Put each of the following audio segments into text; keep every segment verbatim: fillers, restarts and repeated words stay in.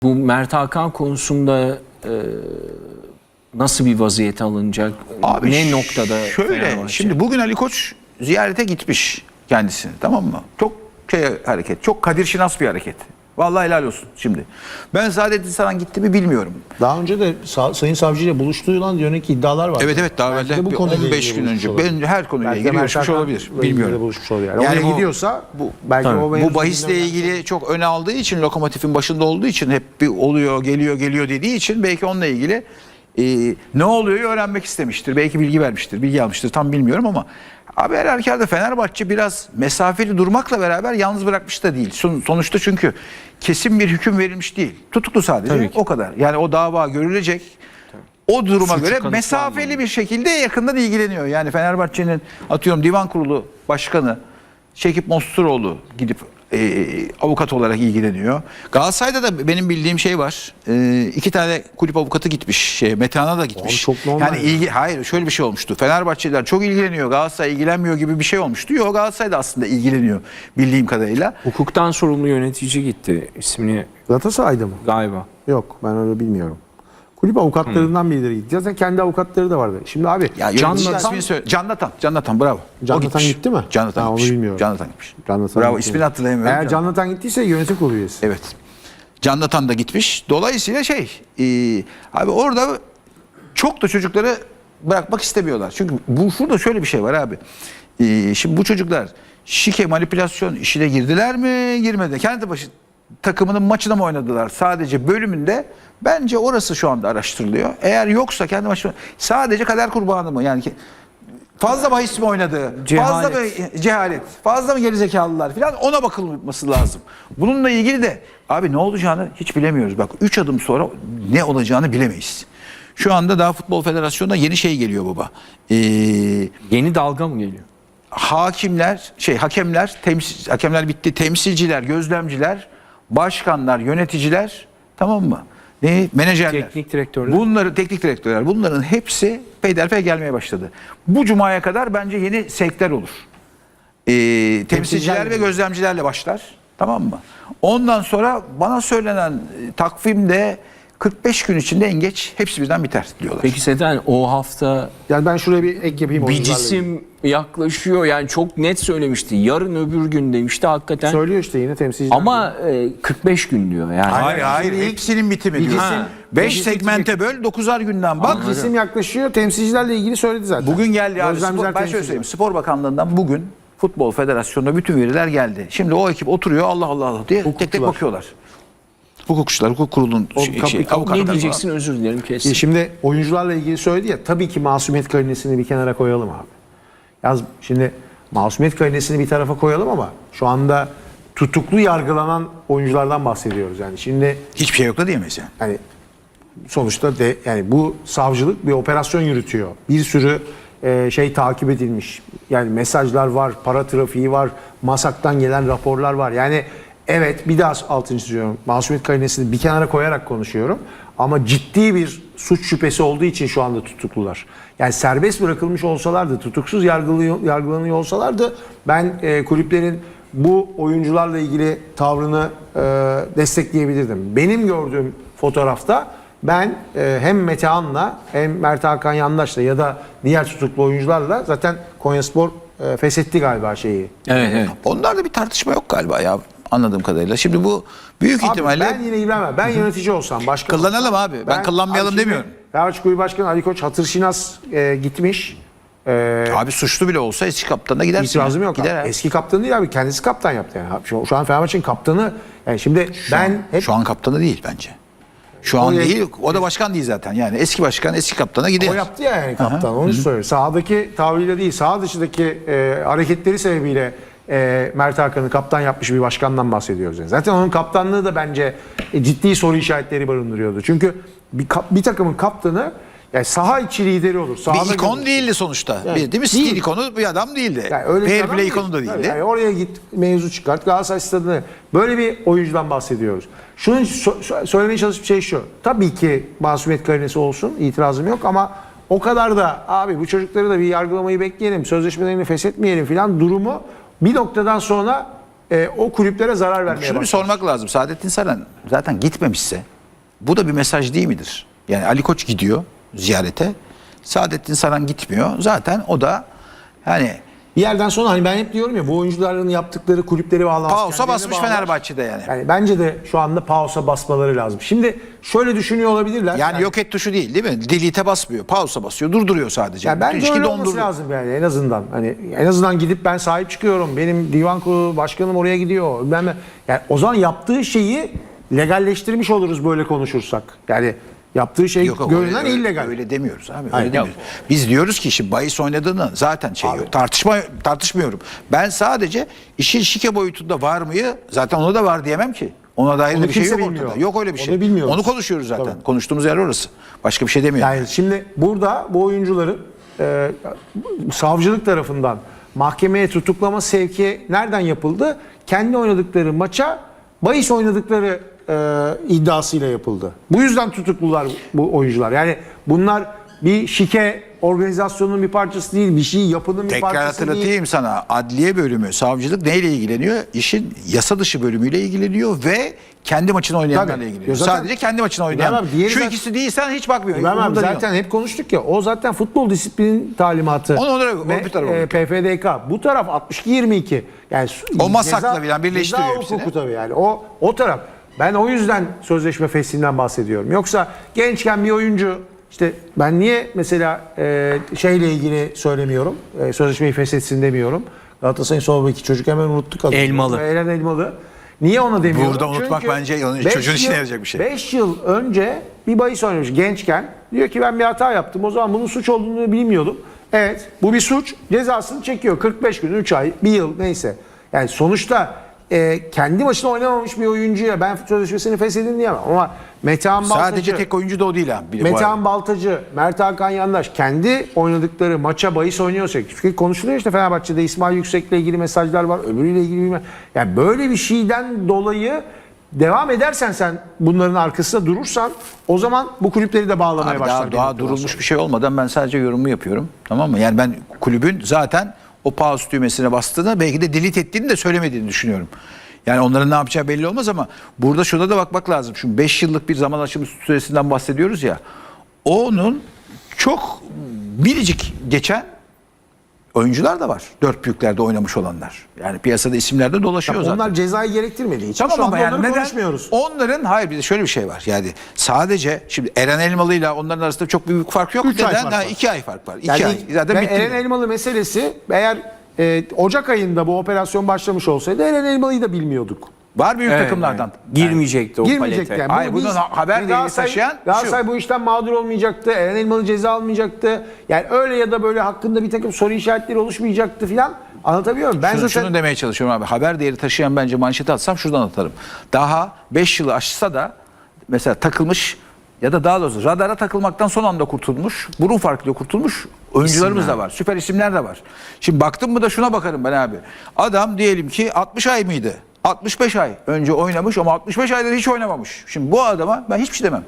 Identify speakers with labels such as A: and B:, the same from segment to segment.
A: Bu Mert Hakan konusunda e, nasıl bir vaziyete alınacak?
B: Abi
A: ne noktada?
B: Şöyle,
A: Fenerbahçe?
B: şimdi bugün Ali Koç ziyarete gitmiş kendisini, tamam mı? Çok şey hareket, çok Kadir Şinas bir hareket. Vallahi helal olsun şimdi. Ben Saadettin Saran gitti mi bilmiyorum.
C: Daha önce de sa Sayın Savcı ile buluştuğundan yönelik iddialar var.
B: Evet evet daha
C: Belki de
B: evvel
C: bu konuyla
B: on beş
C: ilgili
B: gün önce
C: buluşmuş
B: ben her konuyla
C: Belki de
B: ilgili
C: Mert
B: görüşmüş
C: Hakan'la
B: olabilir.
C: ilgili de
B: Bilmiyorum.
C: buluşmuş olabilir. Yani
B: Yani
C: oraya
B: bu-
C: gidiyorsa bu belki
B: Tabii,
C: o
B: bu
C: mevzu
B: bahisle
C: gündemden-
B: ilgili çok öne aldığı için, Lokomotif'in başında olduğu için, hep bir oluyor, geliyor, geliyor dediği için belki onunla ilgili e, ne oluyor öğrenmek istemiştir. Belki bilgi vermiştir, bilgi almıştır, tam bilmiyorum ama abi her halükarda Fenerbahçe biraz mesafeli durmakla beraber yalnız bırakmış da değil. Son, sonuçta çünkü kesin bir hüküm verilmiş değil. Tutuklu sadece, o kadar. Yani o dava görülecek. O duruma
A: Suçu
B: göre
A: kanıtlanmadı.
B: mesafeli bir şekilde yakından ilgileniyor. Yani Fenerbahçe'nin atıyorum divan kurulu başkanı Şekip Mosturoğlu gidip e, avukat olarak ilgileniyor. Galatasaray'da da benim bildiğim şey var. E, iki tane kulüp avukatı gitmiş. Şey, Metehan'a da gitmiş.
C: Oğlum çok normal
B: yani ilgi, hayır şöyle bir şey olmuştu. Fenerbahçeliler çok ilgileniyor, Galatasaray ilgilenmiyor gibi bir şey olmuştu. Yok, Galatasaray da aslında ilgileniyor bildiğim kadarıyla.
A: Hukuktan sorumlu yönetici gitti, ismini
C: Galatasaray'da mı?
A: galiba.
C: Yok, ben öyle bilmiyorum. Kulüp avukatlarından birileri gitti. Zaten kendi avukatları da vardı. Şimdi abi
B: Ya
C: Can
B: Can
C: Natan,
B: ismini söyle. Can Natan, Can Natan bravo.
C: Can
B: O
C: Natan
B: gitmiş.
C: gitti mi?
B: Can Natan
C: Ha, onu
B: gitmiş.
C: bilmiyorum.
B: Can Natan gitmiş.
C: Can Natan
B: Bravo,
C: gitti.
B: ismini hatırlayamıyorum.
C: Eğer
B: Can-
C: Can Natan gittiyse yönetim kurulu üyesi.
B: Evet. Can Natan da gitmiş. Dolayısıyla şey, e, abi orada çok da çocukları bırakmak istemiyorlar. Çünkü bu şurada şöyle bir şey var abi. E, şimdi bu çocuklar şike manipülasyon işine girdiler mi, girmedi. Kendi başı takımının maçına mı oynadılar? Sadece bölümünde bence orası şu anda araştırılıyor. Eğer yoksa kendi maçına sadece kader kurbanı mı? Yani ki- fazla bahis mi oynadı? Fazla mı cehalet? Fazla mı gerizekalılar falan, ona bakılması lazım. Bununla ilgili de abi ne olacağını hiç bilemiyoruz. Bak üç adım sonra ne olacağını bilemeyiz. Şu anda daha Futbol Federasyonu'nda yeni şey geliyor baba. Ee,
A: Yeni dalga mı geliyor?
B: hakimler, şey hakemler, temsil, hakemler bitti. Temsilciler, gözlemciler, başkanlar, yöneticiler, tamam mı? Ne? Menajerler.
A: Teknik direktörler.
B: Bunları teknik direktörler. Bunların hepsi peyderpey gelmeye başladı. Bu cumaya kadar bence yeni sevkler olur. Ee, temsilciler ve gözlemcilerle başlar. Tamam mı? Ondan sonra bana söylenen e, takvimde kırk beş gün içinde en geç hepsi birden biter diyorlar.
A: Peki Seten, o hafta
C: Yani ben şuraya bir ek yapayım.
A: bir
C: oyuncularla ilgili.
A: cisim yaklaşıyor. Yani çok net söylemişti. Yarın öbür gün demişti hakikaten.
C: Söylüyor işte yine temsilciler.
A: Ama e, kırk beş gün diyor yani.
B: Hayır hayır,
C: Şimdi ilk-
B: hepsinin bitimi
C: bir
B: diyor.
C: cisim-
B: beş
C: bir cisim-
B: segmente böl, dokuzar günden bak.
C: Bak isim yaklaşıyor. Temsilcilerle ilgili söyledi zaten.
B: Bugün geldi abi.
C: Gözlemciler,
B: Spor, ben şöyle
C: temsilciler.
B: söyleyeyim. Spor Bakanlığı'ndan bugün Futbol Federasyonu'na bütün veriler geldi. Şimdi o ekip oturuyor, Allah Allah Allah diye tek tek
C: Hukukçular.
B: bakıyorlar. Hukukçular, hukuk kurulunun
C: O
B: şey,
C: kap-
B: şey,
C: kap-
B: avukatlar
A: Ne
B: falan.
A: diyeceksin, özür dilerim kesin.
C: E Şimdi oyuncularla ilgili söyledi ya, tabii ki masumiyet karinesini bir kenara koyalım abi. Yaz şimdi masumiyet karinesini bir tarafa koyalım ama şu anda tutuklu yargılanan oyunculardan bahsediyoruz yani. Şimdi
B: Hiçbir şey yok da diyemeyiz yani.
C: yani sonuçta de yani bu savcılık bir operasyon yürütüyor. Bir sürü e, şey takip edilmiş. Yani mesajlar var, para trafiği var, MASAK'tan gelen raporlar var. Yani evet, bir daha altını çiziyorum. Masumiyet karinesini bir kenara koyarak konuşuyorum. Ama ciddi bir suç şüphesi olduğu için şu anda tutuklular. Yani serbest bırakılmış olsalardı, tutuksuz yargılıyor, yargılanıyor olsalardı ben e, kulüplerin bu oyuncularla ilgili tavrını e, destekleyebilirdim. Benim gördüğüm fotoğrafta ben e, hem Metehan'la hem Mert Hakan Yandaş'la ya da diğer tutuklu oyuncularla zaten Konyaspor e, feshetti galiba şeyi.
A: Evet evet.
B: Onlarda bir tartışma yok galiba ya, anladığım kadarıyla. Şimdi bu büyük
C: Abi
B: ihtimalle
C: ben yine ilgilenmem. Ben yönetici olsam, başkan
B: Kullanalım
C: olsam,
B: abi. Ben kullanmayalım
C: abi şimdi
B: demiyorum.
C: Fenerbahçe Kulübü Başkanı Ali Koç hatır şinas e, gitmiş. E,
B: abi suçlu bile olsa eski kaptanına gidersin.
C: İtirazım
B: ya.
C: yok.
B: Gider
C: Abi.
B: abi.
C: Eski kaptanı değil abi. Kendisi kaptan yaptı yani. Abi Şu, şu an Fenerbahçe'nin kaptanı. Yani şimdi ben hep
B: Şu an kaptanı değil bence. Şu an
C: Oraya-
B: değil. O da başkan değil zaten. Yani eski başkan eski kaptana gider.
C: o yaptı ya yani kaptan. Onu söylüyor. Sahadaki tavrıyla değil, saha dışındaki e, hareketleri sebebiyle e, Mert Hakan'ı kaptan yapmış bir başkandan bahsediyoruz. Yani. Zaten onun kaptanlığı da bence e, ciddi soru işaretleri barındırıyordu. Çünkü bir, kap- bir takımın kaptanı yani saha içi lideri olur. Sahada
B: Bir ikon
C: görülür.
B: değildi sonuçta.
C: Yani
B: bir, değil mi?
C: değil.
B: Stil ikonu bir adam değildi.
C: Yani öyle bir
B: Fair
C: adam
B: play
C: değil.
B: ikonu da değildi.
C: Yani oraya git, mevzu çıkart. Galatasaray stadını. Böyle bir oyuncudan bahsediyoruz. Şunun so- söylemeye çalıştığım şey şu. Tabii ki masumiyet karinesi olsun. İtirazım yok ama o kadar da abi bu çocukları da bir yargılamayı bekleyelim. Sözleşmelerini feshetmeyelim filan durumu bir noktadan sonra e, o kulüplere zarar vermeye
B: Şunu bir
C: başlar.
B: sormak lazım. Saadettin Saran zaten gitmemişse bu da bir mesaj değil midir? Yani Ali Koç gidiyor ziyarete. Saadettin Saran gitmiyor. Zaten o da yani
C: Bir yerden sonra hani ben hep diyorum ya bu oyuncuların yaptıkları kulüpleri bağlamaz.
B: pausa
C: kendilerini
B: basmış
C: bağlar.
B: Fenerbahçe'de yani.
C: Yani bence de şu anda pausa basmaları lazım. Şimdi şöyle düşünüyor olabilirler.
B: Yani yok et tuşu değil değil mi? Delete'e basmıyor. Pausa basıyor. Durduruyor sadece.
C: Yani
B: Bütün
C: bence
B: ilişki
C: öyle olması
B: donduruyor.
C: lazım yani en azından. Hani en azından gidip ben sahip çıkıyorum. Benim divan kurulu başkanım oraya gidiyor. Ben de- yani o zaman yaptığı şeyi legalleştirmiş oluruz böyle konuşursak. Yani yaptığı şey
B: Yok, yok,
C: görünen
B: öyle,
C: illegal.
B: Öyle demiyoruz abi. Öyle
C: Hayır.
B: demiyoruz. Biz diyoruz ki şimdi bahis oynadığını zaten şey yok. Tartışma tartışmıyorum. Ben sadece işin şike boyutunda var mıyı zaten ona da var diyemem ki. Ona dair
C: Onu
B: de bir şey
C: kimse
B: yok
C: bilmiyor.
B: ortada. Yok öyle bir
C: Onu
B: şey.
C: bilmiyoruz.
B: Onu konuşuyoruz zaten.
C: Tabii.
B: Konuştuğumuz yer orası. Başka bir şey demiyorum.
C: Yani şimdi burada bu oyuncuların e, savcılık tarafından mahkemeye tutuklama sevki nereden yapıldı? Kendi oynadıkları maça bahis oynadıkları e, iddiasıyla yapıldı. Bu yüzden tutuklular bu oyuncular. Yani bunlar bir şike organizasyonun bir parçası değil, bir şey yapının bir
B: Tekrar
C: parçası değil.
B: hatırlatayım sana. Adliye bölümü, savcılık neyle ilgileniyor? İşin yasa dışı bölümüyle ilgileniyor ve kendi maçını oynayanlarla
C: Tabii.
B: ilgileniyor.
C: Ya zaten-
B: Sadece kendi maçını oynayan.
C: İbrahim abi, diğeri
B: Şu
C: zaten-
B: ikisi değilsen hiç bakmıyor.
C: İbrahim abi
B: Umurunda değil.
C: zaten hep konuştuk ya, o zaten futbol disiplinin talimatı.
B: Onu- onu- o
C: Ve,
B: bir tarafa
C: e, P F D K. Bu taraf altmış iki yirmi iki. Yani
B: O masakla bilen birleştiriyor
C: ceza
B: hepsini.
C: hukuku tabii yani. O o taraf. Ben o yüzden sözleşme feshinden bahsediyorum. Yoksa gençken bir oyuncu işte ben niye mesela e, şeyle ilgili söylemiyorum. E, sözleşmeyi feshetsin demiyorum. Galatasaray'ın sol beki çocuk hemen unuttuk adını.
A: Elmalı.
C: Eren Elmalı. Niye ona demiyorum?
B: Burada unutmak
C: Çünkü
B: bence onun-
C: beş
B: çocuğun işine
C: yıl-
B: yarayacak bir şey.
C: beş yıl önce bir bahis oynamış gençken. Diyor ki ben bir hata yaptım. O zaman bunun suç olduğunu bilmiyordum. Evet, bu bir suç. Cezasını çekiyor. kırk beş gün, üç ay, bir yıl neyse. Yani sonuçta e, kendi başına oynamamış bir oyuncuya ben sözleşmesini feshedin diyemem. Ama Metehan Baltacı,
B: Sadece tek oyuncu da o değil ha. Bir de bu arada.
C: Metehan Baltacı, Mert Hakan Yandaş kendi oynadıkları maça bahis oynuyorsa, çünkü konuşuluyor işte Fenerbahçe'de İsmail Yüksek'le ilgili mesajlar var, öbürüyle ilgili bilmem. Yani böyle bir şeyden dolayı devam edersen sen bunların arkasında durursan o zaman bu kulüpleri de bağlamaya
B: Abi
C: başlar.
B: daha,
C: bir
B: daha
C: noktadan
B: durulmuş
C: sonra.
B: bir şey olmadan ben sadece yorumumu yapıyorum. Tamam mı? Yani ben kulübün zaten o pause düğmesine bastığını belki de delete ettiğini de söylemediğini düşünüyorum. Yani onların ne yapacağı belli olmaz ama burada şuna da bakmak lazım. Şu beş yıllık bir zaman aşımı süresinden bahsediyoruz ya. Onun çok biricik geçen oyuncular da var. Dört büyüklerde oynamış olanlar. Yani piyasada isimler de dolaşıyor
C: Tabii
B: zaten.
C: onlar cezayı gerektirmediği için
B: Tamam
C: şu anda
B: ama yani
C: onları
B: neden?
C: konuşmuyoruz.
B: Onların hayır bir de şöyle bir şey var. Yani sadece şimdi Eren Elmalı ile onların arasında çok büyük fark yok.
C: Üç ay
B: Neden?
C: fark
B: Ha,
C: var.
B: iki ay fark var. İki
C: Yani
B: ay. Zaten
C: ve
B: bitti.
C: Eren Elmalı meselesi eğer e, Ocak ayında bu operasyon başlamış olsaydı Eren Elmalı'yı da bilmiyorduk.
B: Var büyük
A: Evet,
B: takımlardan.
A: girmeyecekti o
C: Girmeyecekti
A: palete.
C: yani.
B: Hayır,
C: Bu
B: bunun
C: biz-
B: haber değeri
C: Galatasaray-
B: taşıyan şu.
C: Galatasaray bu işten mağdur olmayacaktı. Eren Elmalı ceza almayacaktı. Yani öyle ya da böyle hakkında bir takım soru işaretleri oluşmayacaktı filan. Anlatabiliyor muyum? Ben
B: Şunu,
C: zaten
B: şunu demeye çalışıyorum abi. Haber değeri taşıyan bence manşeti atsam şuradan atarım. Daha beş yılı aşsa da mesela takılmış ya da daha doğrusu radara takılmaktan son anda kurtulmuş, burun farkıyla kurtulmuş oyuncularımız da var. Süper isimler de var. Şimdi baktım mı da şuna bakarım ben abi. Adam diyelim ki altmış ay mıydı? altmış beş ay önce oynamış ama altmış beş ayda hiç oynamamış. Şimdi bu adama ben hiçbir şey demem.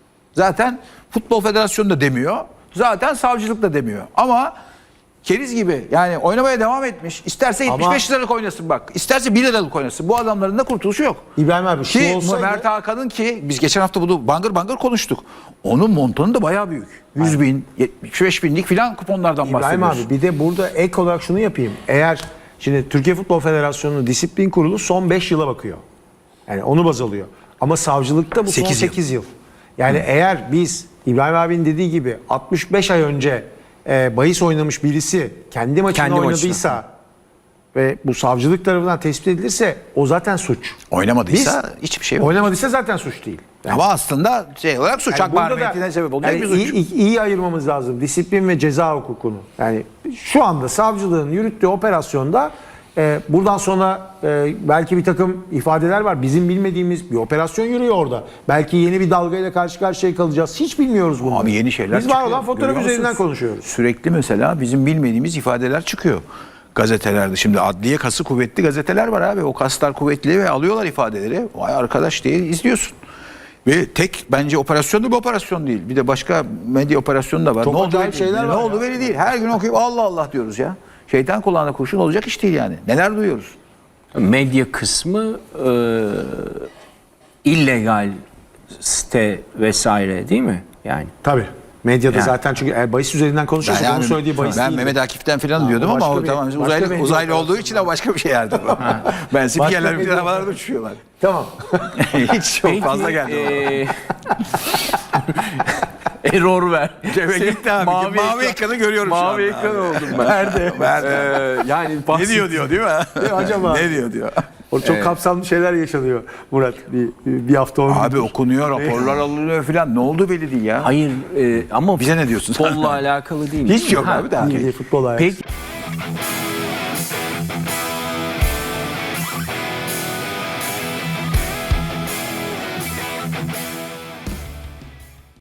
B: Zaten Futbol Federasyonu da demiyor. Zaten savcılık da demiyor. Ama keriz gibi yani oynamaya devam etmiş. İsterse yetmiş beş liralık oynasın bak. İsterse bir liralık oynasın. Bu adamların da kurtuluşu yok.
C: İbrahim abi şu
B: Ki
C: olsaydı
B: Mert Hakan'ın ki biz geçen hafta bunu bangır bangır konuştuk. Onun montonu da bayağı büyük. yüz bin, yetmiş beş binlik filan kuponlardan
C: İbrahim
B: bahsediyoruz.
C: abi bir de burada ek olarak şunu yapayım. Eğer şimdi Türkiye Futbol Federasyonu Disiplin Kurulu son beş yıla bakıyor. Yani onu baz alıyor. Ama savcılıkta bu son
B: Sekiz yıl.
C: sekiz yıl. Yani eğer biz İbrahim abinin dediği gibi altmış beş ay önce e, bahis oynamış birisi kendi maçını
A: Kendi
C: oynadıysa ve bu savcılık tarafından tespit edilirse o zaten suç.
B: Oynamadıysa hiçbir şey yok.
C: Oynamadıysa zaten suç değil. Yani
B: Ama aslında şey olarak suç.
C: yani
B: Hak
C: burada da-
B: mahremiyetine sebep oluyor.
C: yani
B: bir suç.
C: iyi, iyi- iyi ayırmamız lazım disiplin ve ceza hukukunu. Yani şu anda savcılığın yürüttüğü operasyonda e, buradan sonra e, belki bir takım ifadeler var. Bizim bilmediğimiz bir operasyon yürüyor orada. Belki yeni bir dalgayla karşı karşıya kalacağız. Hiç bilmiyoruz bunu.
B: Abi yeni şeyler
C: Biz
B: çıkıyor.
C: var olan fotoğraf
B: Görüyor
C: üzerinden
B: musunuz?
C: konuşuyoruz.
B: Sürekli mesela bizim bilmediğimiz ifadeler çıkıyor gazetelerde. Şimdi adliye kası kuvvetli gazeteler var abi. O kaslar kuvvetli ve alıyorlar ifadeleri. Vay arkadaş diye izliyorsun. Ve tek bence operasyon da bir operasyon değil. Bir de başka medya operasyonu da var.
C: Çok
B: ne oldu
C: acayip
B: belli
C: şeyler
B: değil.
C: var
B: Ne oldu
C: ya.
B: belli değil. Her gün okuyup Allah Allah diyoruz ya. Şeytan kulağına kurşun olacak iş değil yani. Neler duyuyoruz.
A: Medya kısmı e, illegal site vesaire değil mi? Yani
C: Tabii. Medyada
A: Yani.
C: zaten çünkü eğer bahis üzerinden konuşuyorsak onun
B: Yani
C: söylediği bahis
B: ben
C: değil.
B: Mehmet Akif'ten falan diyordum
C: o
B: ama
C: başka
B: o
C: bir-
B: tamam
C: başka
B: uzaylı
C: bir
B: uzaylı olduğu
C: medya
B: için o başka bir şey yerdi. Ben spikerler bir
C: medya-
B: havalarda uçuyorlar.
C: Tamam.
B: Hiç çok fazla geldi.
A: e, error ver.
B: Cebe gitti abi. Mavi, mavi ekranı görüyorum şu anda.
A: Mavi ekran oldum ben.
B: Nerede? Nerede?
A: Ee, yani
B: Ne
A: bahset-
B: diyor diyor değil mi?
C: Ne acaba?
B: Ne diyor diyor.
C: Orada çok kapsamlı şeyler yaşanıyor Murat. Bir, bir hafta on
B: Abi okunuyor, raporlar alınıyor falan. Ne oldu belli değil ya.
A: Hayır e, ama
B: Bize ne diyorsun sen?
A: futbolla alakalı değil.
B: Hiç yok
A: Ha,
B: abi daha.
C: milli futbol hayatı.
A: Peki